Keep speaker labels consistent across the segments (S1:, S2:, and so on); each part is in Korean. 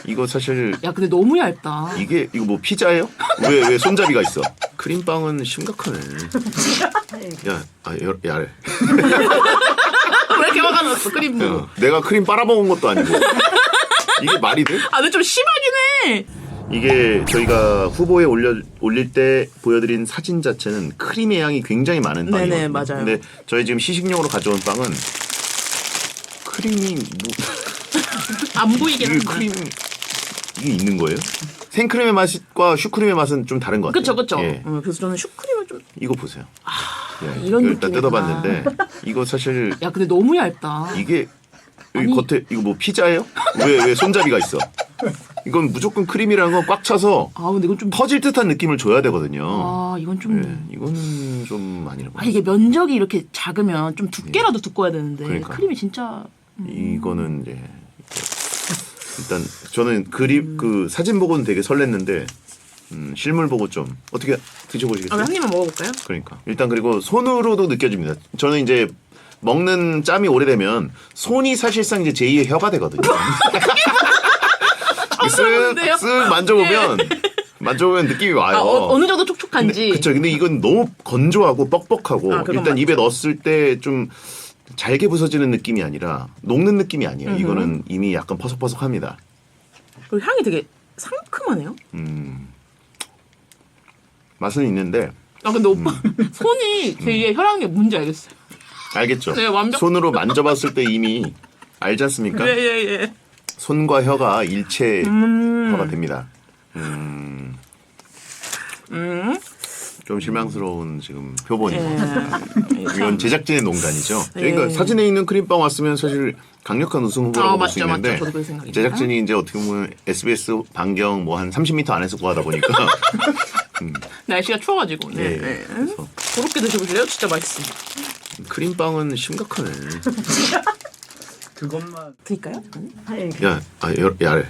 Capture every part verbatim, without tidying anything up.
S1: 이거 사실
S2: 야 근데 너무 얇다.
S1: 이게 이거 뭐 피자예요? 왜 왜 손잡이가 있어? 크림빵은 심각하네. 야, 아, 야, 야래.
S2: 왜 이렇게 화가 났어 크림부?
S1: 야, 내가 크림 빨아먹은 것도 아니고 이게 말이 돼?
S2: 아 근데 좀 심하긴 해.
S1: 이게 저희가 후보에 올려 올릴 때 보여드린 사진 자체는 크림의 양이 굉장히 많은 빵이거든요.
S2: 네네, 맞아요.
S1: 근데 저희 지금 시식용으로 가져온 빵은 크림이 뭐
S2: 안 보이긴
S1: 이게
S2: 한데.
S1: 크림 이게 있는 거예요? 생크림의 맛과 슈크림의 맛은 좀 다른 것 같아요.
S2: 그쵸 그쵸.
S1: 예.
S2: 음, 그래서 저는 슈크림을 좀.
S1: 이거 보세요. 예,
S2: 이런
S1: 이거 일단
S2: 느낌이구나.
S1: 뜯어봤는데 이거 사실
S2: 야 근데 너무 얇다.
S1: 이게 여기
S2: 아니.
S1: 겉에 이거 뭐 피자예요? 왜 왜 손잡이가 있어? 이건 무조건 크림이라는 건 꽉 차서
S2: 아 근데 이건 좀.
S1: 터질 듯한 느낌을 줘야 되거든요.
S2: 아 이건 좀.
S1: 예, 이거는 좀 아니라고.
S2: 아 이게 면적이 이렇게 작으면 좀 두께라도 두꺼워야 되는데
S1: 그러니까.
S2: 크림이 진짜.
S1: 이거는 이제 일단 저는 그림 그 사진 보고는 되게 설렜는데 음, 실물 보고 좀 어떻게
S2: 아,
S1: 드셔보시겠어요?
S2: 한 입만 먹어볼까요?
S1: 그러니까 일단 그리고 손으로도 느껴집니다. 저는 이제 먹는 짬이 오래되면 손이 사실상 이제 제이의 혀가 되거든요.
S2: 그런데요?
S1: 쓱쓱 만져보면 만져보면 느낌이 와요.
S2: 아 어, 어느 정도 촉촉한지.
S1: 그렇죠. 근데 이건 너무 건조하고 뻑뻑하고
S2: 아, 그건
S1: 일단
S2: 맞죠.
S1: 입에 넣었을 때 좀 잘게 부서지는 느낌이 아니라 녹는 느낌이 아니에요.
S2: 음흠.
S1: 이거는 이미 약간 퍼석퍼석합니다.
S2: 그리고 향이 되게 상큼하네요.
S1: 음, 맛은 있는데
S2: 아 근데 오빠
S1: 음.
S2: 손이 되게 혈압이 뭔지 알겠어요.
S1: 알겠죠?
S2: 네, 완벽-
S1: 손으로 만져봤을 때 이미 알지 않습니까?
S2: 예예예.
S1: 손과 혀가 일체화가
S2: 음.
S1: 됩니다. 음,
S2: 음.
S1: 좀 실망스러운 지금 표본이.
S2: 예.
S1: 이건 제작진의 농간이죠.
S2: 예.
S1: 그러니까 사진에 있는 크림빵 왔으면 사실 강력한 우승 후보라고
S2: 아,
S1: 볼 수
S2: 맞죠,
S1: 있는데
S2: 맞죠. 저도 그 생각입니다.
S1: 제작진이 이제 어떻게 보면 에스비에스 반경 뭐 한 삼십 미터 안에서 구하다 보니까
S2: 날씨가 추워가지고. 네.
S1: 예,
S2: 네.
S1: 그래서
S2: 그렇게 드셔보실래요? 진짜 맛있습니다.
S1: 크림빵은 심각하네.
S3: 그것만
S2: 드릴까요?
S1: 야, 아, 야, 야래.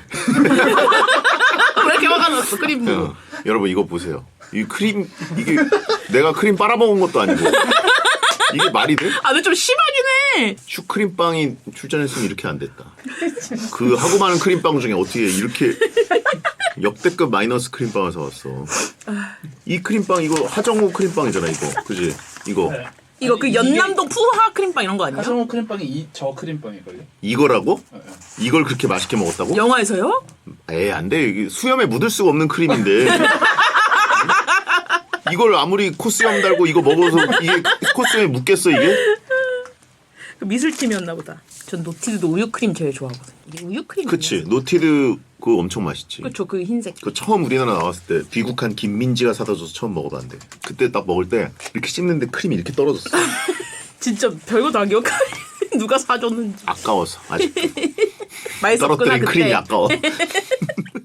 S2: 왜 이렇게 화가 났어 크림부?
S1: 어, 여러분 이거 보세요. 이 크림 이게 내가 크림 빨아먹은 것도 아니고 이게 말이 돼?
S2: 아 근데 좀 심하긴 해.
S1: 슈크림빵이 출전했으면 이렇게 안 됐다. 그 하고 많은 크림빵 중에 어떻게 이렇게 역대급 마이너스 크림빵을 사왔어. 이 크림빵 이거 하정우 크림빵이잖아 이거. 그지? 이거
S2: 이거 그
S3: 아니,
S2: 연남동 푸하 크림빵 이런 거 아니에요?
S3: 하성우 크림빵이 이 저 크림빵일걸요?
S1: 이거라고?
S3: 어, 어.
S1: 이걸 그렇게 맛있게 먹었다고?
S2: 영화에서요?
S1: 에이 안 돼. 이게 수염에 묻을 수가 없는 크림인데. 이걸 아무리 코스염 달고 이거 먹어서 이게 코스염에 묻겠어 이게?
S2: 그 미술팀이었나 보다. 전 노티드도 우유 크림 제일 좋아하거든요. 이게 우유 크림.
S1: 그치. 노티드 그거 엄청 맛있지.
S2: 그렇죠. 그 흰색.
S1: 그 처음 우리나라 나왔을 때 귀국한 김민지가 사다 줘서 처음 먹어봤는데 그때 딱 먹을 때 이렇게 씹는데 크림이 이렇게 떨어졌어.
S2: 진짜 별거 다 기억하네. 누가 사줬는지.
S1: 아까워서 아직도
S2: 맛있었구나
S1: 떨어뜨린
S2: 그때.
S1: 크림이 아까워.